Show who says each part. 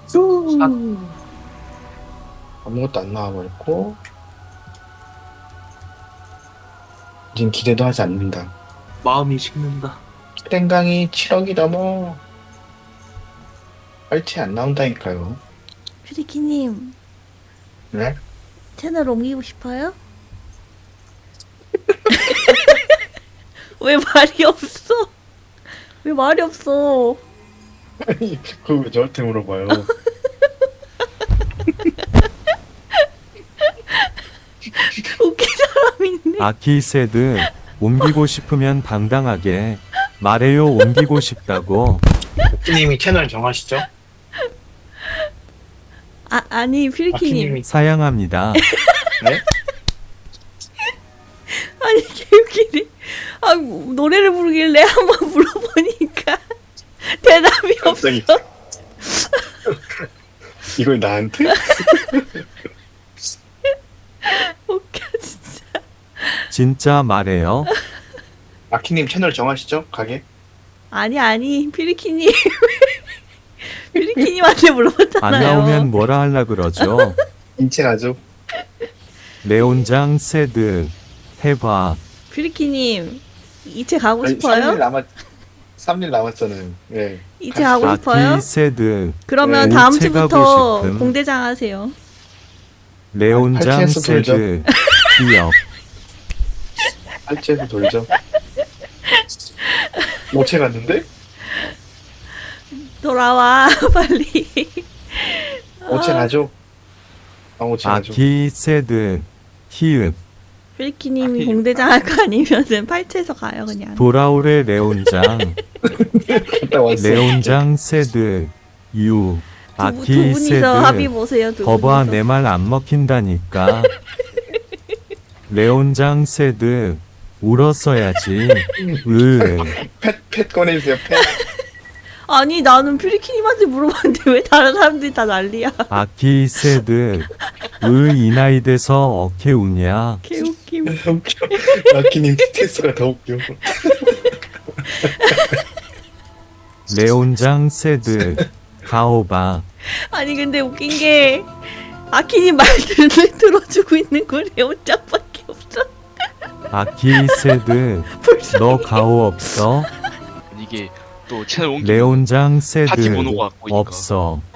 Speaker 1: 쭈. 아무것도 안 나와버렸고 이젠 기대도 하지 않는다.
Speaker 2: 마음이 식는다.
Speaker 1: 땡강이 7억이 넘어. 빨치 안 나온다니까요.
Speaker 3: 퓨리키님
Speaker 1: 네?
Speaker 3: 채널 옮기고 싶어요? 왜 말이 없어? 왜 말이 없어?
Speaker 1: 아니 그거 왜 저한테 물어봐요.
Speaker 3: 웃긴 사람이네.
Speaker 4: 아키세드 옮기고 싶으면 당당하게 말해요. 옮기고 싶다고.
Speaker 1: 아키님이 채널 정하시죠?
Speaker 3: 아니 퓨리키님.
Speaker 1: 아키님이
Speaker 4: 사양합니다.
Speaker 1: 네?
Speaker 3: 아니 개웃기네. 아 노래를 부르길래 한번 물어보니까 대답이 없어.
Speaker 1: 갑자기 이걸 나한테?
Speaker 3: 웃겨 진짜.
Speaker 4: 진짜 말해요.
Speaker 1: 아키님 채널 정하시죠? 가게?
Speaker 3: 아니 퓨리키님. 퓨리키님한테 물어봤잖아요.
Speaker 4: 안 나오면 뭐라 할라 그러죠.
Speaker 1: 인체가죠?
Speaker 4: 레온장 세드 해봐.
Speaker 3: 퓨리키님 이체 가고
Speaker 1: 아니,
Speaker 3: 싶어요?
Speaker 1: 3일 남았잖아요. 네.
Speaker 3: 이체 가고 싶어요?
Speaker 4: 아키세드
Speaker 3: 그러면
Speaker 1: 네,
Speaker 3: 다음
Speaker 4: 이체
Speaker 3: 주부터
Speaker 4: 가고 싶음.
Speaker 3: 공대장 하세요.
Speaker 4: 레온장
Speaker 1: 팔찌에서 돌죠.
Speaker 4: 세드 기억.
Speaker 1: 팔찌에서 돌죠. 오체 갔는데?
Speaker 3: 돌아와 빨리.
Speaker 1: 오체 가죠? 오체 가죠.
Speaker 4: 아키세드 히읗
Speaker 3: 퓨리키님이 공대장 할 거 아니면은 팔찌에서 가요 그냥.
Speaker 4: 돌아오래 레온장.
Speaker 1: 갔다 왔어.
Speaker 4: 레온장 세드 유
Speaker 3: 두 분이서 합의
Speaker 4: 아키세드
Speaker 3: 보세요. 두
Speaker 4: 거봐
Speaker 3: 분이서.
Speaker 4: 내 말 안 먹힌다니까. 레온장 세드 울었어야지.
Speaker 1: 펫 꺼내주세요. 펫.
Speaker 3: 아니 나는 퓨리키님한테 물어봤는데 왜 다른 사람들이 다 난리야.
Speaker 4: 아키세드 이 나이 돼서 어케 우냐.
Speaker 3: 개웃김.
Speaker 1: 웃겨. 아키님 스트레스가 더 웃겨.
Speaker 4: 레온장 세드 가오바.
Speaker 3: 아니 근데 웃긴 게 아키님 말들을 들어주고 있는 거 레온짱밖에 없어.
Speaker 4: 아키세드
Speaker 3: 불쌍해.
Speaker 4: 너 가오 없어?
Speaker 2: 이게 또 채널 옮기
Speaker 4: 레온장
Speaker 2: 파티
Speaker 4: 세드
Speaker 2: 번호가 갖고 있니까.
Speaker 4: 없어.